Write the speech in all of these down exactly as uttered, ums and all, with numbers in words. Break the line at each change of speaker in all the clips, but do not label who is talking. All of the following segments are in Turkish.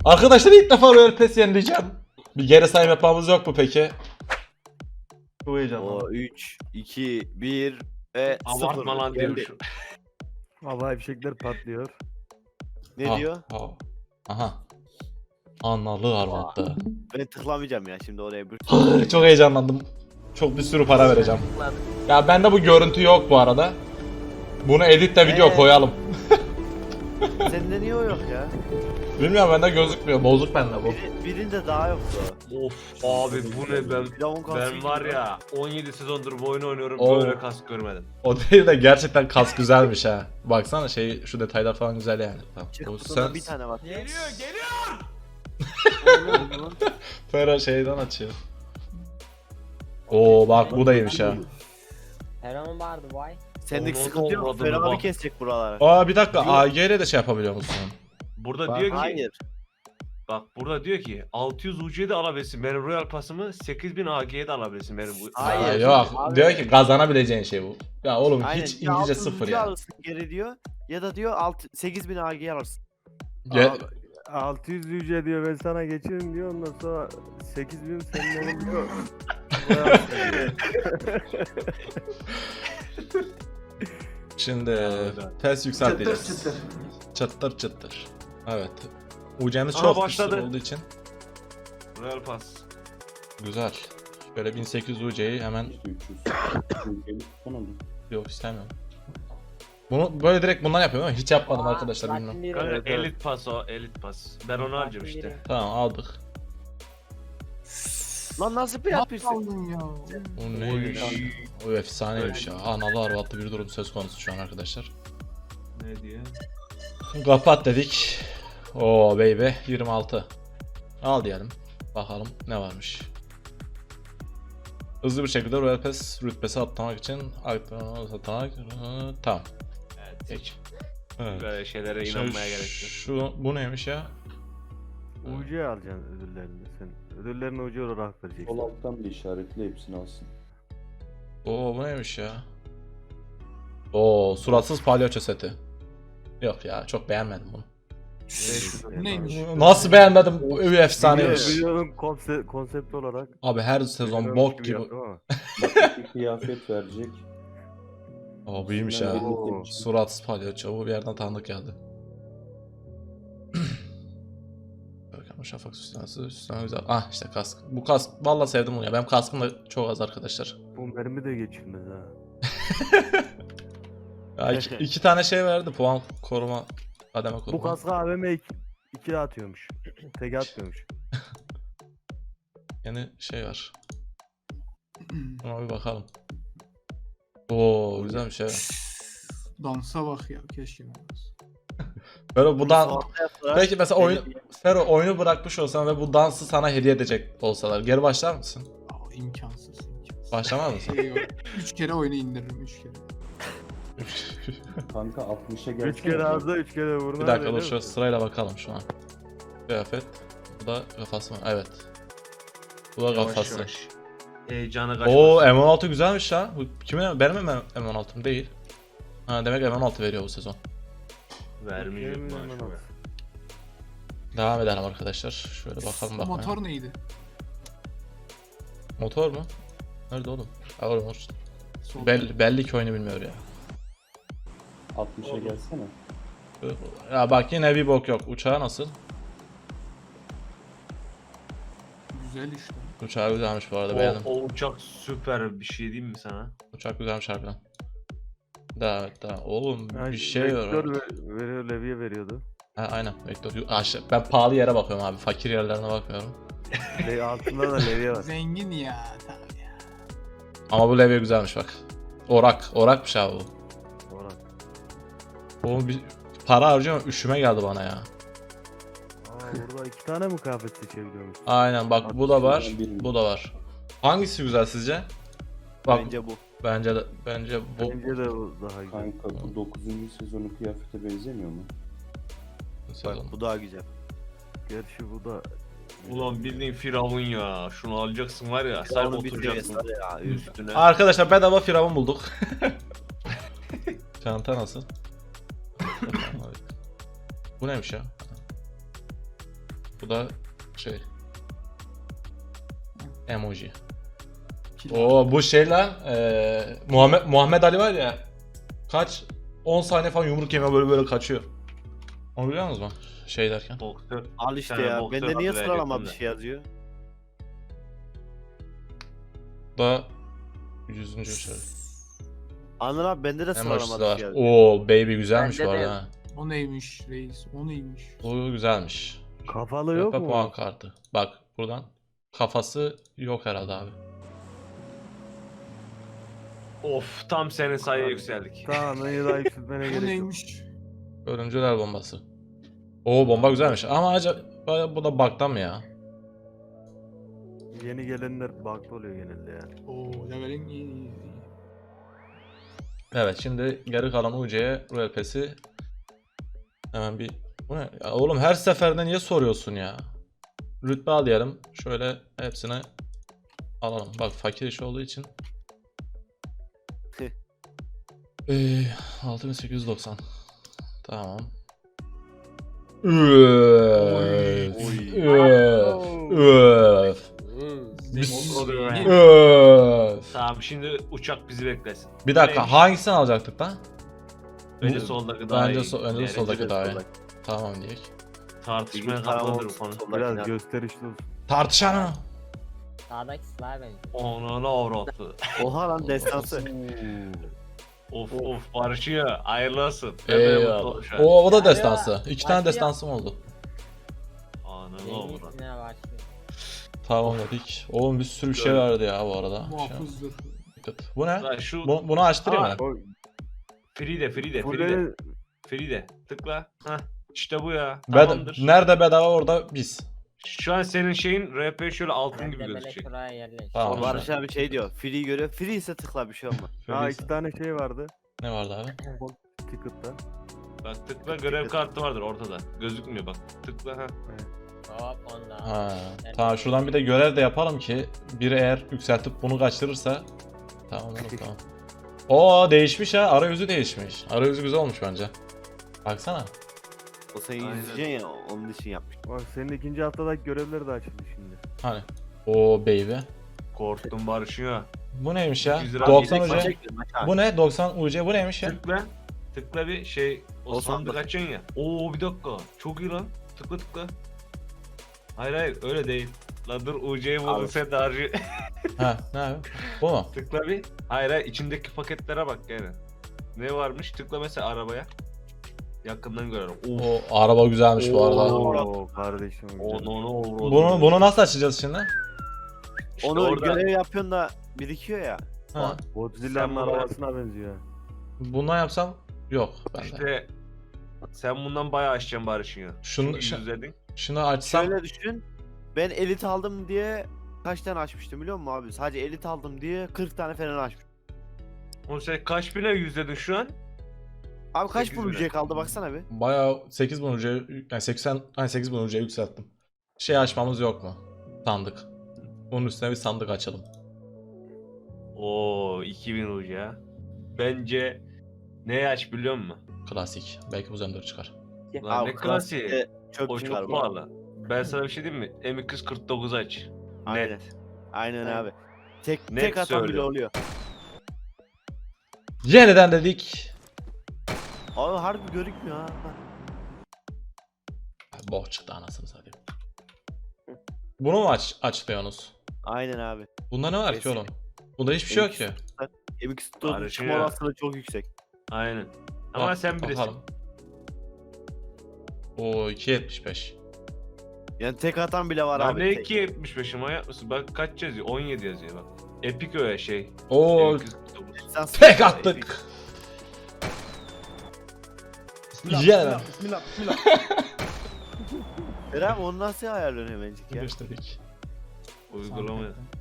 Arkadaşlar ilk defa Royal Pass yenileceğim. Bir geri sayım yapmamız yok mu peki? Çok heyecanlı.
O üç, iki, bir ve sıfır.
Abartma lan diyormuşum.
Havai fişekler patlıyor.
Ne
Ah,
diyor?
ah. Aha. Analı arvattı.
Ben tıklamayacağım ya şimdi oraya bir.
Çok heyecanlandım. Çok bir sürü para vereceğim. Ya bende bu görüntü yok bu arada. Bunu editle video
Ee?
koyalım.
Sende niye o yok ya?
Bilmiyorum, bende gözükmüyor. Bozuk bende bu.
Biri, birinde daha yoktu.
Of abi bu ne ben
Firavun kalsın
ben var ya on yedi sezondur bu oyunu oynuyorum
Oo.
böyle kask görmedim.
O değil de gerçekten kas güzelmiş ha. Baksana şey, şu detaylar falan güzel yani. Tamam.
Çık
Bu
kutuda
sen
bir tane var.
Geliyor geliyor.
Fero şeyden açıyor. Oo bak bu da iyiymiş ha.
Heron vardı vay.
Sendeki
Onu
sıkıntı yok.
olmadı
Ferah
mı
abi
bak?
kesecek buraları.
Aa bir dakika, A G ile de şey yapabiliyor musun?
Burada
Bak,
diyor ki
Hayır.
bak burada diyor ki altı yüz U C'ye de alabilirsin benim Royal Pass'ımı, sekiz bin A G'ye de alabilirsin benim bu.
Hayır.
Aa, yok.
Abi.
Diyor ki kazanabileceğin şey bu. Ya oğlum
Aynen.
hiç
Ya
İngilizce
altı yüz
sıfır
ucu
ya.
alırsın geri diyor. Ya da diyor altı sekiz bin A G alırsın.
Ge-
Abi, altı yüz yüce diyor ben sana geçirim diyor ondan sonra sekiz bin senin olur diyor. Bayağı seviyor.
Şimdi
Evet.
pes yükselteceğiz.
Çıtır çıtır.
Çıtır çıtır. Evet. U C'miz
Aha,
çok
başladı.
güçlü olduğu için
Royal Pass.
güzel. Şöyle bin sekiz yüz U C'yi hemen
üç yüz.
yok istemiyorum. Bunu böyle direkt bundan yapıyorum ama hiç yapmadım
Aa,
arkadaşlar,
Latin
bilmiyorum.
biri.
Kanka
Evet, evet.
elit pass o elit pass. Ben onu
Latin
harcam işte.
biri.
Tamam aldık.
Lan nasıl bir yapıyorsun?
Aldın ya.
Bu neymiş? O efsaneymiş ya. Analı arvatlı bir durum söz konusu şu an arkadaşlar.
Ne diye?
Kapat dedik. Oo baby yirmi altı. Al diyelim. Bakalım ne varmış. Hızlı bir şekilde Royal Pass rütbesi atlamak için atlamak atlamak tamam.
Evet.
Peki. Evet.
Böyle şeylere
Şu-
inanmaya gerek yok.
Şu bu neymiş ya?
U C alacaksın ödüllerini sen. Ödüllerini U C olarak vereceksin.
Sol alttan bir işaretle hepsini alsın.
Oo bu neymiş ya? Oo suratsız palyaço seti. Yok ya, çok beğenmedim bunu.
Neymiş?
Nasıl beğenmedim? Bu evi efsaneymiş.
Videonun konsept, konsept olarak.
Abi her sezon
Videonun
bok gibi.
yaptım ama.
Bak bir kıyafet verecek.
Aa buymuş
İçinden
ya.
elli
Oo.
demiş.
Suratsız palyaço, bu bir yerden tanıdık geldi. Görkem şafak süslemesi, süsleme güzel. Ah işte kask. Bu kask vallahi sevdim bunu ya. Benim kaskım da çok az arkadaşlar.
Bu mermi de geçilmez ha.
Ya iki, iki tane şey verdi, puan koruma, kademe koruma.
Bu kaska A V M iki, iki atıyormuş. Tek atmıyormuş.
Yeni şey var. Buna bir bakalım. Oo güzel bir şey.
Dansa bak ya, keşke olmaz.
Böyle bu dan...
Orta yaptılar.
Peki mesela oyun...
Belli-
Fero oyunu bırakmış olsan ve bu dansı sana hediye edecek olsalar geri başlar mısın?
Aa, imkansız. imkansız.
Başlamaz mısın?
Şey yok. Üç kere oyunu indiririm, üç kere.
Kanka altmışa gelsene.
Üç kere ağızda üç kere buruna.
Bir dakika dur,
öyle
şu
mi?
sırayla bakalım şu an. Kıyafet. Bu da kafası mı? Evet. Bu da
Yavaş
kafası.
yavaş. Heyecanı kaçmasın.
Oo M on altı güzelmiş ha. Bu kimin? Benim mi M on altım değil. Ha demek M on altı veriyor bu sezon.
Vermeyecek
Yemin
maaşı
ederim.
be.
Devam edelim arkadaşlar. Şöyle bakalım bakalım.
Motor neydi?
Motor mu? Nerede oğlum? Ha oğlum o-
Sol.
Belli, belli ki oyunu bilmiyor ya.
altmışa gelsene.
Ya bak yine bir bok yok. Uçağı nasıl?
Güzel işte.
Uçağı güzelmiş bu arada, beğendim.
O, o uçak süper bir şey diyeyim mi sana?
Uçak güzelmiş harbiden. Daha daha oğlum
Ha,
bir şey
vektör
var.
ver- veriyor, levye veriyordu.
Ha aynen vektör. Aşağı, ben pahalı yere bakıyorum abi. Fakir yerlerine bakmıyorum.
Le altında da levye var.
Zengin ya, tabii ya.
Ama bu levye güzelmiş bak. Orak. Orakmış abi bu.
Orhan.
Oğlum bir para harcıyorum, üşüme geldi bana ya.
Aa burada iki tane mi kıyafet seçebiliyormuş?
Aynen bak bu da var.
Birini.
Bu da var. Hangisi güzel sizce? Bak
Bence bu.
bence de bence bu.
Bence de bu daha güzel.
Kanka bu dokuzuncu sezonun kıyafete benzemiyor mu?
sezon.
Bak bu daha güzel.
Gerçi bu da
Ulan bildiğin Firavun ya. Şunu alacaksın var ya. Sen
Onun bir
oturacaksın
seviyesi var ya üstüne.
Arkadaşlar bedava firavun bulduk. Çanta nasıl? Bu neymiş ya? Bu da şey. Emoji.
Kilo.
Oo bu şey lan. eee, Muhammed, Muhammed Ali var ya. Kaç? on saniye falan yumruk yeme böyle böyle kaçıyor. Onu biliyor musunuz mu? Şey derken.
Boksör.
Al işte
Sen
ya.
boksör
Bende niye
adı
sıralama bir
verecektim
şey yazıyor?
Bu da yüzüncü şey.
Anladın abi bende de
Emojisi
sıralama
de
bir
var.
şey yazıyor.
Oo baby güzelmiş
Bende
bu
de
arada.
yok.
ha.
O neymiş reis? O neymiş?
Bu güzelmiş.
Kafalı yok
Tepe
mu?
puan kartı. Bak buradan. Kafası yok herhalde abi.
Of tam senin sayıya yükseldik.
Tamam iyi daha yükseltmene
O
gerek yok.
neymiş?
Ölümcül bombası. Oo bomba güzelmiş ama acaba bu da bug'dan mı ya?
Yeni gelenler bug'lı oluyor genelde ya.
Oo levelin iyi iyi iyi.
Evet şimdi geri kalan U C'ye Royal Pass'i hemen bir... Bu ne? Ya oğlum her seferinde niye soruyorsun ya? Rütbe al diyelim. Şöyle hepsini alalım. Bak fakir iş olduğu için. Ee, altı bin sekiz yüz doksan. Tamam. Öf. Öf. Öf. Bis-
İyi.
Öf.
Tamam şimdi uçak bizi beklesin.
Bir dakika
Neymiş?
hangisini alacaktık lan?
Önce
Bu-
soldaki daha
Bence,
iyi.
so önce
Yani
soldaki daha iyi.
soldaki.
Tamam diyek.
Tartışmaya
Tamam,
katlanır bu konu.
soldaki
Biraz
ya.
gösterişli olsun.
Tartışalım.
Sağdaki silah benziyor.
Onana avrattı.
Oha lan destansı.
Of of barışıyor. Hayırlı olsun. Ben böyle mutlu
Eyvallah.
oldum şu an.
O, o da
Ya,
destansı. İki tane
başlıyor.
destansım oldu.
Ananı
Yeni
avrattı.
ismine başlıyor.
Tamam dedik. Oğlum bir sürü bir şey vardı ya bu arada. Şey,
Muhafızdır.
dikkat. Bu ne?
Lan şu
Bu, bunu açtırayım
Aa,
mı?
O
free de free de free de.
Fulleri
Free de. Tıkla. Hah. İşte bu ya.
Bed-
Tamamdır.
Nerede bedava orada biz.
Şu an senin şeyin R P şöyle altın
Ben
gibi
de böyle
gözükecek.
şuraya yerleş.
Tamam.
O Barış abi şey diyor. Free görüyor. Free ise tıkla bir şey olmaz.
ha
Şöyle
iki tane şey vardı.
Ne vardı abi?
Ticket'ta.
Bak tıkla görev kartı vardır ortada. Gözükmüyor bak. Tıkla ha.
Hop onda.
Ha.
Evet.
Tamam şuradan bir de görev de yapalım ki biri eğer yükseltip bunu kaçırırsa tamam oğlum tamam. Oo değişmiş ha. Arayüzü değişmiş. Arayüzü güzel olmuş bence. Baksana.
O seni
Aynen.
izleyeceksin ya onun için yapmış.
Bak senin ikinci haftadaki görevleri de açıldı şimdi.
Hani. Oo baby.
Korktum barışıyor.
Bu neymiş ya?
yüz lira
doksan
yedek
U C. Bu ne? doksan U C bu neymiş ya?
Tıkla. Tıkla bir şey. O
O
sandık
sandık.
açıyorsun ya. Oo bir dakika. Çok iyi lan. Tıkla tıkla. Hayır hayır öyle değil. La dur U C'yi buldun
Abi.
sen de harcı.
Ha ne abi? Bu mu?
Tıkla bir. Hayır hayır içindeki paketlere bak yani. Ne varmış? Tıkla mesela arabaya. Yakından görelim. Of.
O araba güzelmiş bu arada.
Oo.
Oo kardeşim.
Onu onu
Bunu bunu nasıl açacağız şimdi?
İşte
Onu
orada
görev yapıyorsun da birikiyor ya.
Ha.
Godzilla'nın
Sen bunu-
arabasına benziyor.
Bundan yapsam yok bende.
işte sen bundan bayağı açacaksın Barış'ın ya.
Şunu
Çünkü
şu-
yüzledin.
şunu açsam
Şöyle düşün. Ben elit aldım diye kaç tane açmıştım biliyor musun abi? Sadece elit aldım diye kırk tane falan açmıştım.
Oğlum sen kaç bine yüzledin şu an?
Abi kaç
sekiz
bu
bile.
ücret kaldı baksana bir.
bayağı sekiz bin ucuya yani seksen hani sekiz bin ucuya yükselttim. Şey açmamız yok mu? Sandık. Bunun üstüne bir sandık açalım.
Oo iki bin ucu ya. Bence ne aç biliyor musun?
Klasik. Belki bu zemdör çıkar.
Lan
Abi
ne klasiği?
klasikte çöp
O
çıkar
çok
bu.
pahalı. Ben sana bir şey diyeyim mi? M iki yüz kırk dokuz aç.
Aynen.
Net.
Aynen abi. Tek
Net
tek atan bile
söylüyorum.
oluyor.
Yeniden dedik.
Abi harbi görükmüyor ha.
Boh çıktı anasını satayım. Bunu mu aç açlıyorsunuz?
Aynen abi.
Bunda ne var ki
Kesin.
oğlum? Bunda hiçbir şey yok ki.
M X
Barış'ın
tutma
ya.
olasılığı çok yüksek.
Aynen. Ama
Bak,
sen bilirsin.
bakalım. Oo iki yetmiş beş.
Yani tek atan bile var
Lan
abi.
ne
tek.
iki yetmiş beş ama yapmışsın. Bak kaç yazıyor? on yedi yazıyor bak. Epic öyle şey.
Oo
M iki yüz kırk dokuz.
Sen
tek
sıkıntı-
attık. Yeniden.
Bismillah bismillah.
Eren onu nasıl ayarlıyorsun hemencik ya?
Birleştirdik.
Uygulama.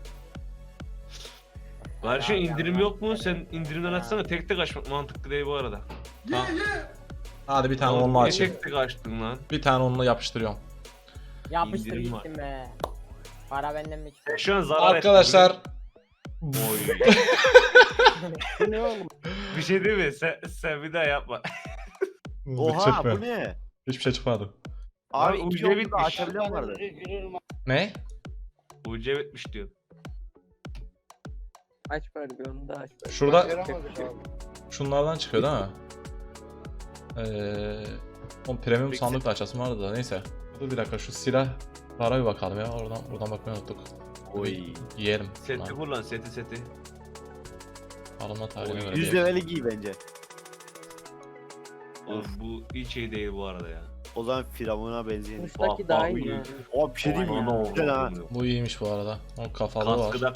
Barış'ın indirim yok mu? Sen indirimden açsana. Tek tek açmak mantıklı değil bu arada.
Tamam. Hadi bir tane
Oğlum,
onunla
niye
açayım.
tek tek açtın lan?
Bir tane onunla yapıştırıyorum.
Yapıştır
İndirim var.
gittim be. Para benden mi çıktı?
Şu an zarar ettin,
Arkadaşlar
biliyor musun? Oy.
Bu ne oğlum?
Bir şey değil mi? Sen, sen bir daha yapma.
Oha
Çıkmıyor.
bu ne?
Hiçbir şey çıkmadı.
Abi
Lan
iki
ucu
yolda
bitmiş.
da açabilen vardı.
Ne?
U C bitmiş diyor.
Aç bari bir onu da aç bari.
Şurada
Başaramadık abi.
şunlardan çıkıyor değil mi? Eee o premium
Peki.
sandık açasım vardı da neyse. Dur bir dakika şu silah para bir bakalım ya. Oradan buradan bakmayı unuttuk.
Oy.
Giyerim.
Seti kullan seti seti.
Alınma tarihine
Oy,
göre
yüz
değil.
leveli giy bence.
Of bu hiç şey değil bu arada ya.
O zaman Firavun'a benzeyen.
Kuştaki
Bak,
daha
bak,
iyi
bu
yani.
O bir şey değil mi?
Ana oğlum,
Güzel ha.
oğlum.
Bu iyiymiş bu arada. O kafalı var.
Kaskı da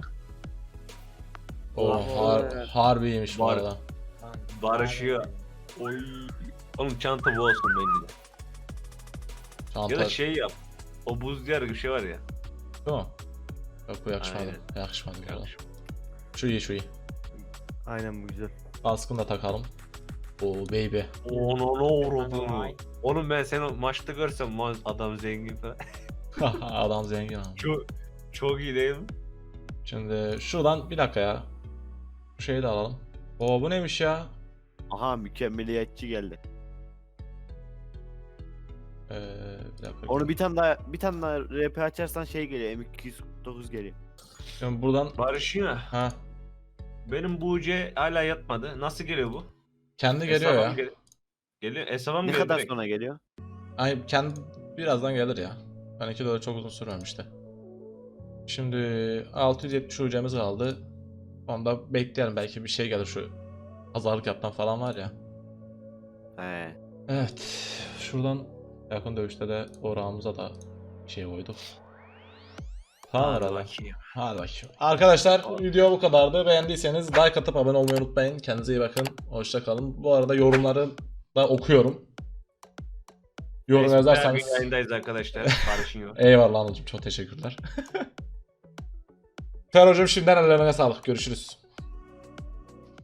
O
Oha.
har harbi iyiymiş bu
Var.
arada.
Lan,
barışıyor. Oy. Oğlum çanta bu olsun bence de.
Çanta
Ya da şey yap. O buz diyarı bir şey var ya.
değil mi? Yok bu yakışmadı.
Aynen.
Yakışmadı bu arada.
Yanlış.
Şu iyi şu iyi.
Aynen bu güzel.
Baskını da takalım. Oo baby.
Onu ne uğradı?
Vay.
Oğlum ben seni maçta görsem ma- adam zengin falan.
Adam zengin abi.
Çok çok iyi değil mi?
Şimdi şuradan bir dakika ya. Bu şeyi de alalım. Oo bu neymiş ya?
Aha mükemmeliyetçi geldi.
Ee, bir dakika.
Onu bir tane daha bir tane daha R P açarsan şey geliyor. M iki yüz kırk dokuz geliyor.
Şimdi buradan
Barışıyor.
ha
Benim bu U C hala yatmadı. Nasıl geliyor bu?
kendi geliyor
Hesaba
ya.
mı gel- Geliyor. Hesaba mı
Ne
geliyor
kadar
direkt?
sonra geliyor?
Ay kendi birazdan gelir ya. Ben iki dolar çok uzun sürmemişti. Şimdi altı yüz yetmiş ucumuz kaldı. Onda bekleyelim belki bir şey gelir şu pazarlık yapan falan var ya.
He.
Evet. Şuradan yakın dövüşte de orağımıza da bir şey koyduk. Tamam
Hadi
herhalde.
bakayım.
Hadi bakayım. Arkadaşlar video bu kadardı. Beğendiyseniz like atıp abone olmayı unutmayın. Kendinize iyi bakın. Hoşça kalın. Bu arada yorumları da okuyorum. Yorum
Neyse,
yazarsanız.
her gün yayındayız arkadaşlar. Barış'ın yok.
Eyvallah anacığım. Çok teşekkürler. Ferocum şimdiden ellerine sağlık. Görüşürüz.